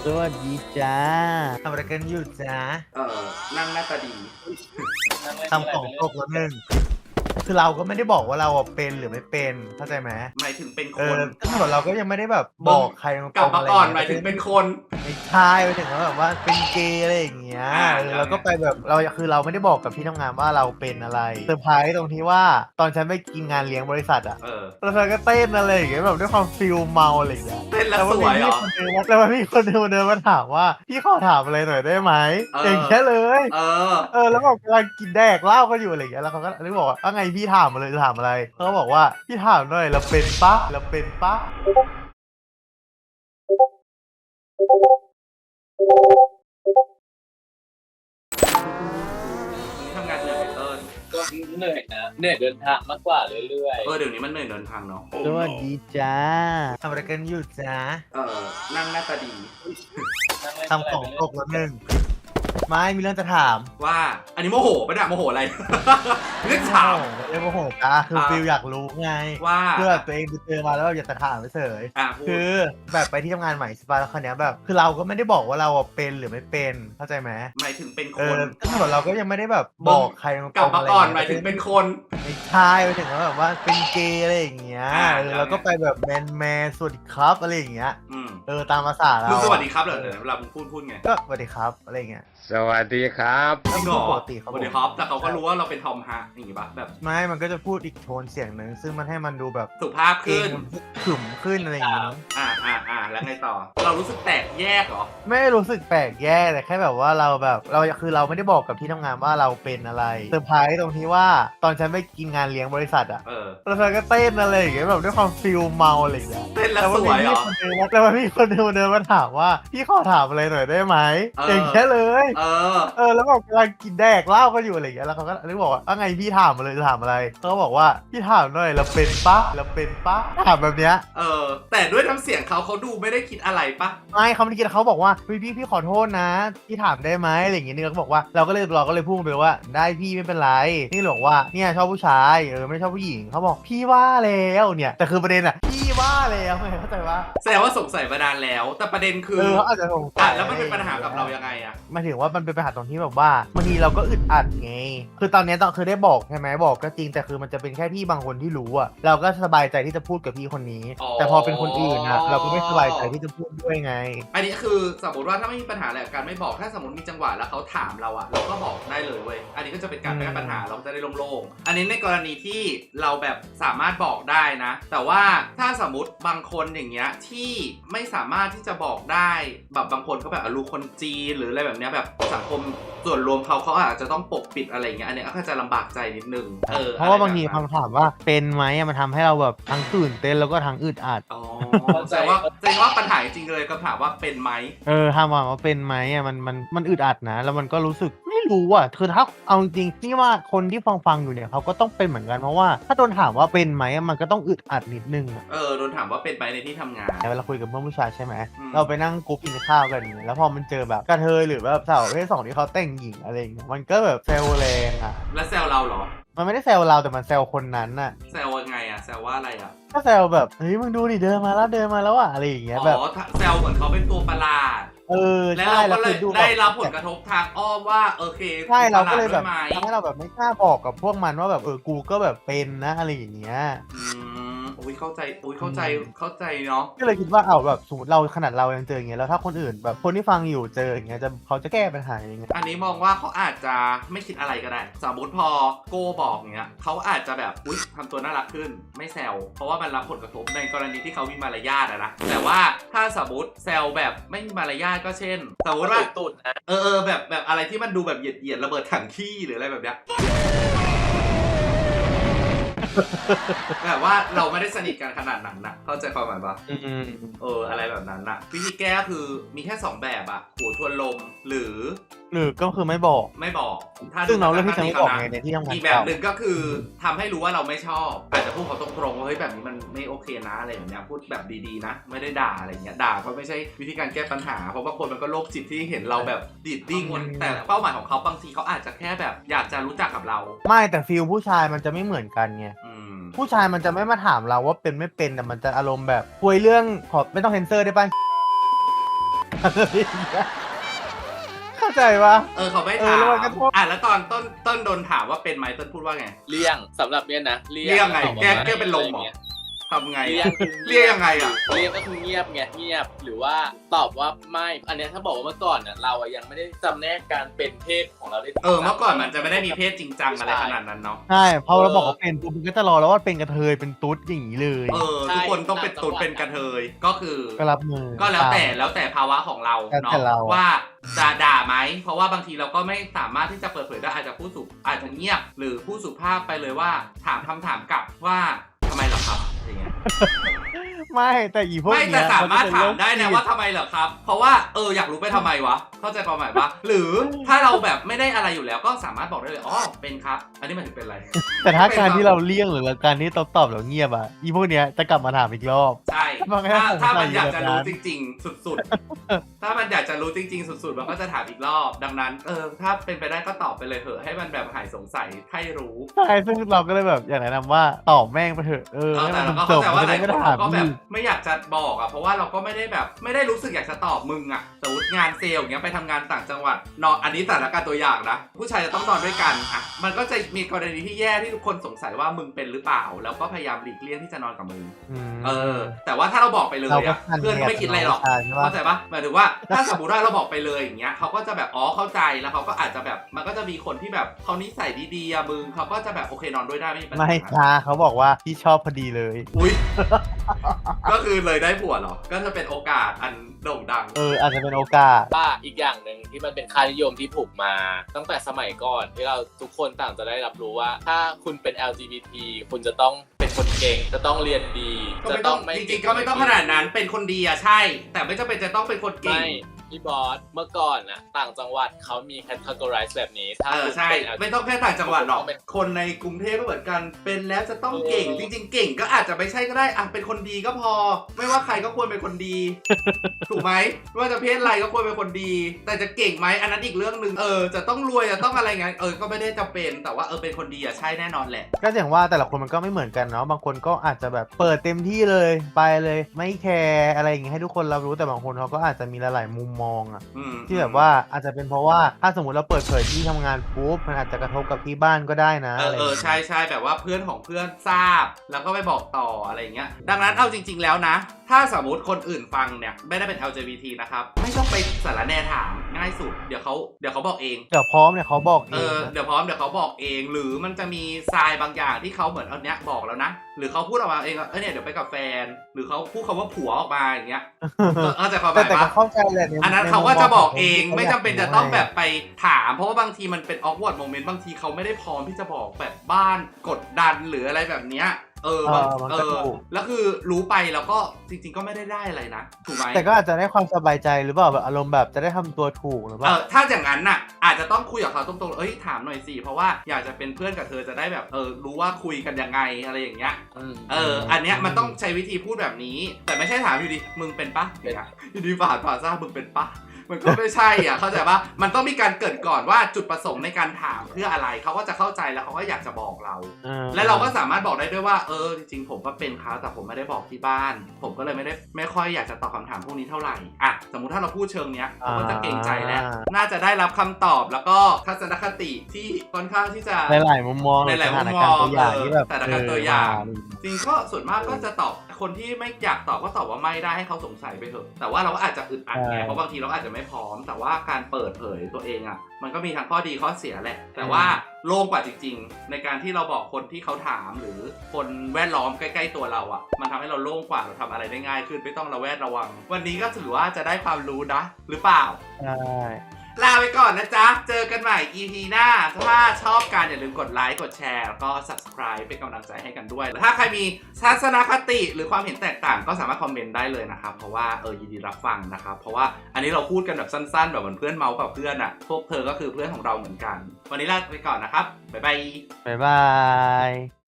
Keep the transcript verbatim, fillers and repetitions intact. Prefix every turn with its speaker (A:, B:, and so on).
A: สวัสดีจ้าทำอะไรกันอยู่จ้า
B: เออนั่งหน้าตาดี
A: ทำของตกแล้วหนึ่งคือเราก็ไม่ได้บอกว่าเราอะเป็นหรือไม่เป็นเข้าใจไหม
B: หมายถึงเป็นค
A: เออน ก็เหมือนเราก็ยังไม่ได้แบบบอกใครต
B: กลั
A: ร
B: บ
A: งๆ
B: มา
A: อะไร
B: ก่อนห
A: เงี้
B: มาย ยถึงเป็นคน
A: ไม่ใช่ไปถึงว่าแบบว่าเป็นเกย์อะไรอย่างเงี้ย
B: อ่า
A: เออ
B: แล้ว
A: เราก็ไปแบบเราคือเราไม่ได้บอกกับที่ทำงานว่าเราเป็นอะไรเซอร์ไพรส์ตรงที่ว่าตอนฉันไปกินงานเลี้ยงบริษัทอะ
B: เออ
A: แล้วเธอก็เต้นอะไรอย่างเงี้ยแบบด้วยความฟิลเมาอะไรอย่างเงี้ย
B: เต้นแล้วสวยเหรอ
A: แล้วมันมีคนเดินมาเดินมาถามว่าพี่ขอถามอะไรหน่อยได้ไหม
B: เออ
A: อย่างเงี้ยเลย
B: เออ
A: เออแล้วบอกกำลังกินแดกเหล้ากันอยู่อะไรอย่างเงี้ยแล้วเขาก็เลยบอกว่าว่าไงพี่ถามมาเลยถามอะไรเขาก็บอกว่าพี่ถามหน่อยเราเป็นปะเราเป็นปะ
B: วันนี้ทำงานเหนื่อยไหมเติ้ล
C: ก็เหนื่อยนะเหนื่อยเดินทางมากกว่าเรื่อย
B: เออเดี๋ยวนี้มันเหนื่อยเดินทางเนาะ
A: สวัสดีจ้าทำอะไรกันอยู่จ้า
B: เออนั่งหน้าตาดี
C: ๆ
A: ทำของตกแล้วหนึ่งไม่มีเรื่องจะถาม
B: ว่า อันนี้โมโหปะเนี่ยโมโหอะไร เรื่องถาม
A: เรียกว่าโหจ้าคือ
B: อ่า
A: ฟิลอยากรู้ไง
B: ว่า
A: คือแบบตัวเองไปเจอมาแล้วแบบอยากจะถามเฉย
B: อ่ะพูด
A: คือแบบไปที่ทำงานใหม่ใช่ปะแล้วคราวเนี้ยแบบคือเราก็ไม่ได้บอกว่าเราอะเป็นหรือไม่เป็นเข้าใจไหม
B: หมายถึงเป็นค
A: เออน ก็เหมือนเราก็ยังไม่ได้แบบบอกใครตรงๆ
B: กลับมาก่อน
A: ะ
B: ห
A: ไร
B: มายถึง
A: เงี้
B: เป็นคน
A: ไม่ใช่ไปถึงว่าแบบว่าเป็นเกย์อะไรอย่างเงี้ย
B: อ่า
A: เออ
B: แล้วไง
A: เราก็ไปแบบแมนแมนสวัสดีครับอะไรอย่างเงี้ย
B: อืม
A: เออตามภาษาเรา
B: มึงสวัสดีครับเหรอเดี๋ยวเวลามึงพูดพูดไง
A: ก็สวัสดีครับอะไรอย่างเงี้ย
D: สวัสดีครับ
B: จริงเหรอ
A: ปกติครับ
B: สวัสดีครับ แต่เขาก็รู้ว่าเราเป็นทอมฮะอย่างงี้ปะแบบ
A: ไม่มันก็จะพูดอีกโทนเสียงหนึ่งซึ่งมันให้มันดูแบบ
B: สุภาพ
A: เกร
B: ขึ้
A: ง
B: น
A: ขึมขึ้นอะไรอย่างเงี้ย
B: อ่าอ่าอ่าแล้วไงต่อ เรารู้สึกแตกแยกเหรอ
A: ไม่ได้รู้สึกแปลกแย่แต่แค่แบบว่าเราแบบเราคือเราไม่ได้บอกกับที่ทำงานว่าเราเป็นอะไรเซอร์ไพรส์ตรงที่ว่าตอนฉันไปกินงานเลี้ยงบริษัทอะ
B: เออ
A: แล้วเธอก็เต้นอะไรอย่างเงี้ยแบบด้วยความฟิลเมาอะไรอย่างเงี้ย
B: เต้นแล้วสวยเหรอ
A: แล้วมันมีคนเดินมาแล้วมันมีคนเดินมาถามว่าพี่ขอถามอะไรหน่อยได้ไหม
B: เออ
A: อ
B: อ
A: ย่างเงี้ยเลย
B: เออ
A: เออแล้วบอกกำลังกินแดกเหล้ากันอยู่อะไรอย่างเงี้ยแล้วเขาก็เลยบอกว่าว่าไงพี่ถามมาเลยถามอะไรเขาก็บอกว่าพี่ถามหน่อยเราเป็นปะเราเป็นปะถามแบบเนี้ย
B: เออ แต่ด้วยน้ำเสียงเขาเขาดูไม่ได้คิดอะไรปะ
A: ไม่เขาไม่ได้กินเขาบอกว่าพี่พี่พี่ขอโทษนะพี่ถามได้ไหมอะไรอย่างเงี้ยนี่เขาบอกว่าเราก็เลยเราก็เลยพูดไปว่าได้พี่ไม่เป็นไรนี่บอกว่าเนี่ยชอบผู้ชายเออไม่ได้ชอบผู้หญิงเขาบอกพี่ว่าแล้วเนี่ยแต่คือประเด็นอ่ะพี่ว่าแล้วไงเข้าใจปะ
B: แสดงว่าสงสัยมานานแล้ว แต่ประเด็นคือ
A: เออเขาอาจจะสงสั
B: อ่ะ
A: ย
B: แล้วมันเป็นปัญหากับเรายังไงอะ
A: หมายถึงว่ามันเป็นปัญหาตรงที่แบบว่าบางทีเราก็อึดอัดไงคือตอนเนี้ยต้องเคยได้บอกใช่ไหมบอกก็จริงแต่คือมันจะเป็นแค่พี่บางคนที่รู้อะเราก็สบายใจที่จะพูดกับพี่คนนี้ แต่พอเป็นคนอื่นอะเราก็ไม่สบายใจที่จะพูดด้วยไง
B: อันนี้คือสมมติว่าถ้าไม่มีปัญหาอะไรกับการไม่บอกถ้าสมมติมีจังหวะแล้วเขาถามเราอะเราก็บอกได้เลยเว้ยอันนี้ก็จะเป็นการแก้ปัญหาเราก็จะได้โล่งๆอันนี้ในกรณีที่เราแบบสามารถบอกได้นะ แต่ว่าถ้าสมมติบางคนอย่างเงี้ยที่ไม่สามารถที่จะบอกได้แบบบางคนเขาแบบอาลูคนจีนหรืออะไรแบบเนี้ยแบบสังคมส่วนรวมเขาเขาอาจจะต้องปกปิดอะไรเงี้ยอันเนี้ยก็จะลำบากใจนิดนึงเออ
A: เพราะว่าบางที
B: อไแบบนั้น
A: คำถามว่าเป็นไหมอะมันทำให้เราแบบทั้งตื่นเต้นแล้วก็ทั้งอึดอัด
B: อ๋อแสดงว่าแสดงว่าปัญหาจริงๆเลยคำถามว่าเป็นไหม
A: เออถามว่าเป็นไหมอะมันมันมันอึดอัดนะ แล้วมันก็รู้สึกไม่รู้อ่ะคือถ้าเอาจริงๆนี่ว่าคนที่ฟังฟังอยู่เนี่ยเขาก็ต้องเป็นเหมือนกันเพราะว่าถ้าโดนถามว่าเป็นไหมอะมันก็ต้องอึดอัดนิดนึงอะ
B: เออโดนถามว่าเป็นไหมในที่ทำงาน
A: เวลาคุยกับเพื่อนผู้ชายใช่ไหม
B: อืม
A: เราไปนั่งกรุ๊ปกินข้าวกันอย่างเงี้ยแล้วพอมันเจอแบบกระเทยหรือแบบสาวประเภทสองที่เขาแต่งหญิงอะไรอย่างเงี้ยมันก็แบบเซลแรงอ่ะ
B: แล้วแซวเราเหรอ
A: มันไม่ได้แซวเราแต่มันแซวคนนั้นน่ะ
B: แซวยังไงอะแซวว่าอะไรอะ
A: ก็แซวแบบเฮ้ยมึงดูดิเดินมาแล้วเดินมาแล้วอ่ะอะไรอย่างเงี้ยแบบ
B: อ๋อแซวเหมือนเขาเป็นตัวประหลาด
A: เออ
B: แล้ว
A: ใช่
B: เราก็เลย
A: คือดู
B: ได้รับ
A: แ
B: ผลกระทบทางอ้อมว่าโอเค
A: ใช่เราก็
B: ปะห
A: เลย
B: ด
A: แบ
B: ด้
A: บ
B: วไหม
A: ทำให้เราแบบไม่กล้าบอกกับพวกมันว่าแบบเออกูก็แบบเป็นนะอะไรอย่างเงี้ย
B: อืมอุ้ยเข้าใจอุ้ยเข้าใจ
A: อืม
B: เข้าใจเนาะ
A: ก็เลยคิดว่าเอาแบบสมมติเราขนาดเรายังเจออย่างเงี้ยแล้วถ้าคนอื่นแบบคนที่ฟังอยู่เจออย่างเงี้ยจะเขาจะแก้ปัญหายังไง
B: อันนี้มองว่าเขาอาจจะไม่คิดอะไรก็ได้ สมมติพอโก้บอกเงี้ยเขาอาจจะแบบอุ้ยทำตัวน่ารักขึ้นไม่แซวเพราะว่ามันรับผลกระทบในกรณีที่เขามีมารยาทอะนะแต่ว่าถ้าสมมติแซวแบบไม่มีมารยาทก็เช่น สมมติว่า
C: ตุ่นๆนะ
B: เออเออแบบแบบอะไรที่มันดูแบบเหยียดเหยียดระเบิดถังขี้หรืออะไรแบบเนี้ย แบบว่าเราไม่ได้สนิทกันขนาดนั้นนะเข้าใจความหมายปะ
A: อืม
B: เอออะไรแบบนั้นนะวิธีแก้คือมีแค่สองแบบอะหัวทวนลมหรือ
A: หรือก็คือไม่บอก
B: ไม่บอกถ้า
A: ซึ่งเราเลือกที่จะไม่บอก
B: นะ
A: ไงในที่ทำงาน
B: อีกแบบ
A: เก่า
B: หนึ่งก็คือทำให้รู้ว่าเราไม่ชอบ อาจจะพูดเขาตรงๆว่าเฮ้ยแบบนี้มันไม่โอเคนะอะไรอย่างเงี้ยพูดแบบดีๆนะ ไม่ได้ด่าอะไรเงี้ยด่าก็ไม่ใช่วิธีการแก้ปัญหาเพราะบางคนมันก็โรคจิตที่เห็นเราแบบดิดดิ้งแต่เป้าหมายของเขาบางทีเขาอาจจะแค่แบบอยากจะรู้จักกับเรา
A: ไม่แต่ฟิลผู้ชายมันจะไม่เหมือนกันไง
B: อืม
A: ผู้ชายมันจะไม่มาถามเราว่าเป็นไม่เป็นแต่มันจะอารมณ์แบบคุยเรื่องขอไม่ต้องเซนเซอร์ได้ป่ะอะไรอย่างเงี้ยเข้าใจปะ
B: เออเขาไม่
A: เอ
B: ถา
A: อ
B: ม
A: แล้วมันก็โทษ
B: อ่ะแล้วตอนต้นต้นโดนถามว่าเป็นไหมต้นพูดว่าไง
C: เลี่ยงสำหรับเนี่ยนะ
B: เลี่ยงไง
C: ตอบว่า
B: แก้
C: ไม่
B: แก้เป็นลมเหรอ
C: ะไงี้ย
B: ทำไง
C: เลี่ย
B: อะ
C: งคือ
B: เรียกยังไงอ่ะ
C: เลี่ยงก็คือเงียบไงเงียบหรือว่าตอบว่าไม่อันเนี้ยถ้าบอกว่าเมื่อก่อนน่ะเราอะยังไม่ได้จำแนกการเป็นเพศของเราได้
B: เออเมื่อก่อนมันจะไม่ได้มีเพศจริงจังอะไรขนาดนั้นเนาะ
A: ใช่พอเราบอกว่าเป็นปุ๊บมันก็จะรอแล้วว่าเป็นกระเทยเป็นตุ๊ดอย่างนี้เลย
B: เออทุกคนต้องเป็นตุ๊ดเป็นกระเทยก็คือ
A: ก็รับมือ
B: ก็แล้วแต่แล้วแต่ภาวะของเรา
A: แล้ว
B: เนาะ
A: แต่เรา
B: ว่าจะด่าไหมเพราะว่าบางทีเราก็ไม่สามารถที่จะเปิดเผยได้อาจจะพูดสุอาจจะเงียบ หรือพูดสุภาพไปเลยว่าถามคำถามกลับว่าทำไมเหรอครับอย่างเงี้ย
A: ไม่แต่อีพวก
B: ไม่
A: เนี้
B: แต่
A: ย
B: สามารถถามได้
A: นจ
B: นะ
A: เป็
B: ว่าทำไมเหรอครับ เพราะว่าเอออยากรู้ไปทำไมวะเข้าใจความหมายปะหรือถ้าเราแบบไม่ได้อะไรอยู่แล้วก็สามารถบอกได้เลยอ๋อเป็นครับ อันนี้หมายถึงเป็นอะไร
A: แต่ถ้าการที่เราเลี่ยงหรือการที่ตอบตอบแล้วเงียบอ่ะอีพวกเนี้ยจะกลับมาถามอีกรอบ
B: ใช่
A: มันก็
B: ถ้า
A: สงสัย
B: ถ้ามันอยากจะรู้
A: แบบนั้น
B: จริง ๆ สุดๆ ถ้ามันอยากจะรู้จริง ๆ สุดๆมันก็จะถามอีกรอบ ดังนั้นเออถ้าเป็นไปได้ก็ตอบไปเลยเถอะให้มันแบบหายสงสัยให้รู้
A: ใช่ซึ่งเราก็เลยแบบอยากแนะนำว่าตอบแม่งไปเถอะเออ
B: เออ
A: ให้
B: แต่
A: มัน
B: เราก็
A: จ
B: เข้า
A: บ
B: ใจว่า
A: จะ
B: หลา
A: ได้
B: ยค
A: ไม่
B: น
A: ต้องถาม
B: ก็แบบ
A: อีก
B: ไม่อยากจะบอกอ่ะเพราะว่าเราก็ไม่ได้แบบไม่ได้รู้สึกอยากจะตอบมึงอ่ะสมมติงานเซลล์อย่างเงี้ยไปทำงานต่างจังหวัดนอนอันนี้สถานการณ์ตัวอย่างนะผู้ชายจะต้องนอนด้วยกันอ่ะมันก็จะมีกรณีที่แย่ที่ทุกคนสงสัยว่ามึงเป็นหรือเปล่า แล้วก็พยายามหลีกเลี่ยงที่จะนอนกับมึง
A: ม
B: เออ แต่ว่าถ้าเราบอกไปเลย
A: เราก็
B: อ่ะ
A: ทัน
B: เพื่อนก็ไม่คิดอะไรหรอก
A: ใช่ใช่ปะ
B: เข้าใจปะหมายถึงว่าถ้าสมมติว่าเราบอกไปเลยอย่างเงี้ยเขาก็จะแบบอ๋อเข้าใจแล้วเขาก็อาจจะแบบมันก็จะมีคนที่แบบเขานิสัยดีๆอะมึงเขาก็จะแบบโอเคนอนด้วยได้ไม่มีปัญหา
A: ไม่ค่ะเขาบอกว่าพี่ชอบพอดีเลย
B: อุ้ย ก็คือเลยได้ผัวเหรอ ก็จะเป็นโอกาสอันโด่งดัง
A: เอออาจจะเป็นโอกาส
C: ว่าอีกอย่างหนึ่งที่มันเป็นค่านิยมที่ผูกมา ตั้งแต่สมัยก่อนที่เราทุกคนต่างจะได้รับรู้ว่า ถ้าคุณเป็น แอล จี บี ที คุณจะต้องเป็นคนเก่งจะต้องเรียนดี
B: ก็
C: จะ
B: ไม่
C: ต้
B: ต้
C: อ
B: อง ง
C: ไม่
B: จริงๆก็ไม่ต้องขนาดนั้นเป็นคนดีอะใช่ แต่ไม่จำเป็นจะต้องเป็นคนเก่ง
C: ไม่พี่บอสเมื่อก่อนน่ะต่างจังหวัดเขามี categorize แบบนี้ถ้า
B: เออ
C: คุณ
B: ใช่
C: เป็น
B: ไม่ต้องแค่ต่างจังหวัดหรอก
C: เป็น
B: คนในกรุงเทพก็เหมือนกัน เป็นแล้วจะต้องเก่ง
C: เออ
B: จริง ๆ เก่งก็อาจจะไม่ใช่ก็ได้อ่ะเป็นคนดีก็พอ ไม่ว่าใครก็ควรเป็นคนดี ถูกไหมไม่ว่าจะเพศอะไรก็ควรเป็นคนดี แต่จะเก่งไหมอันนั้นอีกเรื่องหนึ่งเออจะต้องรวยจะต้องอะไรเงี้ยเออก็ไม่ได้จำเป็นแต่ว่าเออเป็นคนดีอะใช่แน่นอนแหละ
A: ก็อย่างว่าแต่ละคนมันก็ไม่เหมือนกันเนาะบางคนก็อาจจะแบบเปิดเต็มที่เลยไปเลยไม่แคร์อะไรอย่างงี้ให้ทุกคนรับรู้แต่บางคนเขาก็อาจจะมีหลายๆมุมมองอะ
B: อืม
A: ที่แบบว่าอาจจะเป็นเพราะว่าถ้าสมมติเราเปิดเผยที่ทำงานปุ๊บมันอาจจะกระทบกับที่บ้านก็ได้นะ
B: เออเออใช่ใช่แบบว่าเพื่อนของเพื่อนทราบ แล้วก็ไปบอกต่ออะไรอย่างเงี้ยดังนั้นเอาจริง ๆแล้วนะ ถ้าสมมติคนอื่นฟังเนี่ยไม่ได้เป็น แอล จี บี ที นะครับไม่ต้องไปสารแนถามง่ายสุดเดี๋ยวเขาเดี๋ยวเขาบอกเอง
A: เดี๋ยวพร้อมเนี่ยเขาบอกเอ
B: เอง อ
A: นะ
B: เดี๋ยวพร้อมเดี๋ยวเขาบอกเอง หรือมันจะมีทรายบางอย่างที่เขาเหมือนเอาเนี้ยบอกแล้วนะ หรือเขาพูดออกมาเองว่าเออเนี่ยเดี๋ยวไปกับแฟน หรือเขาพูดคำว่าผัวออกมาอย่างเงี้ยเข้าใจความห
A: แต่
B: มาย
A: แต่ก็
B: ปะ
A: เข้าใจแหละใ
B: อันนั้น
A: ใ
B: เขาก็จะบอกเอง
A: มุม
B: ไม่จำเป็น
A: ขา
B: จะต้องแบบไปถาม เพราะว่าบางทีมันเป็น awkward moment บางทีเขาไม่ได้พร้อมที่จะบอกแบบบ้านกดดันหรืออะไรแบบเนี้ยเออ
A: เอ
B: บาง
A: อมัน
B: เอ
A: ก็
B: อ
A: ถูก
B: แล้วคือรู้ไปแล้วก็จริง ๆ ก็ไม่ได้ได้อะไรนะถูกไหม
A: แต่ก็อาจจะได้ความสบายใจหรือเปล่าแบบอารมณ์แบบจะได้ทำตัวถูกหรือเป
B: เอ
A: ล่า
B: อถ้าอย่างนั้นน่ะอาจจะต้องคุยกับเขาตรงๆเอ้ยถามหน่อยสิเพราะว่าอยากจะเป็นเพื่อนกับเธอจะได้แบบเออรู้ว่าคุยกันยังไงอะไรอย่างเงี้ย
C: ม
B: เอออันเนี้ยมันต้องใช้วิธีพูดแบบนี้ แต่ไม่ใช่ถามอยู่ดีมึงเป็นปะ
C: เป็น
B: อยู่ดีฝ่าฝ่าซ่ามึงเป็นปะมันก็ไม่ใช่อ่ะเข้าใจปะมันต้องมีการเกริดก่อนว่าจุดประสงค์ในการถามเพื่ออะไรเขาก็จะเข้าใจแล้วเขาก็อยากจะบอกเรา
A: เออ
B: และเราก็สามารถบอกได้ด้วยว่าเออจริงๆผมก็เป็นครับแต่ผมไม่ได้บอกที่บ้าน ผมก็เลยไม่ได้ไม่ค่อยอยากจะตอบคำถามพวกนี้เท่าไหร่อ่ะสมมุติถ้าเราพูดเชิงเนี้ยเขาก็จะเกรงใจแล้วน่าจะได้รับคำตอบแล้วก็ทัศนคติที่ค่อนข้างที่จะ
A: หลายๆมุมมอง
B: หลายๆมุมมอง
A: สถานการณ์ตัวอย่างที่แบบ
B: เออสถานการณ์ตัวอย่าง
A: เ
B: จริงก็ส่วนมากก็จะตอบคนที่ไม่อยากตอบก็ตอบว่าไม่ได้ให้เขาสงสัยไปเถอะแต่ว่าเราก็อาจจะอึดอัดไงเพราะบางทีเราก็อาจจะไม่พร้อม แต่ว่าการเปิดเผยตัวเองอ่ะมันก็มีทั้งข้อดีข้อเสียแหละ แต่ว่าโล่งกว่าจริงๆ ในการที่เราบอกคนที่เขาถามหรือคนแวดล้อมใกล้ๆตัวเราอ่ะมันทำให้เราโล่งกว่าเราทำอะไรได้ง่ายขึ้นไม่ต้องระแวดระวัง วันนี้ก็ถือว่าจะได้ความรู้นะหรือเปล่า
A: ใช่
B: ลาไปก่อนนะจ๊ะ เจอกันใหม่ อี พี หน้า ถ้าชอบกันอย่าลืมกดไลค์ กดแชร์ แล้วก็ subscribe เป็นกำลังใจให้กันด้วย ถ้าใครมีทัศนคติหรือความเห็นแตกต่างก็สามารถคอมเมนต์ได้เลยนะครับ เพราะว่าเออยินดีรับฟังนะครับ เพราะว่าอันนี้เราพูดกันแบบสั้นๆ แบบเหมือนเพื่อนเมาส์กับเพื่อนอะ่ะ พวกเธอก็คือเพื่อนของเราเหมือนกัน วันนี้ลาไปก่อนนะครับ บ๊ายบาย
A: บ๊ายบาย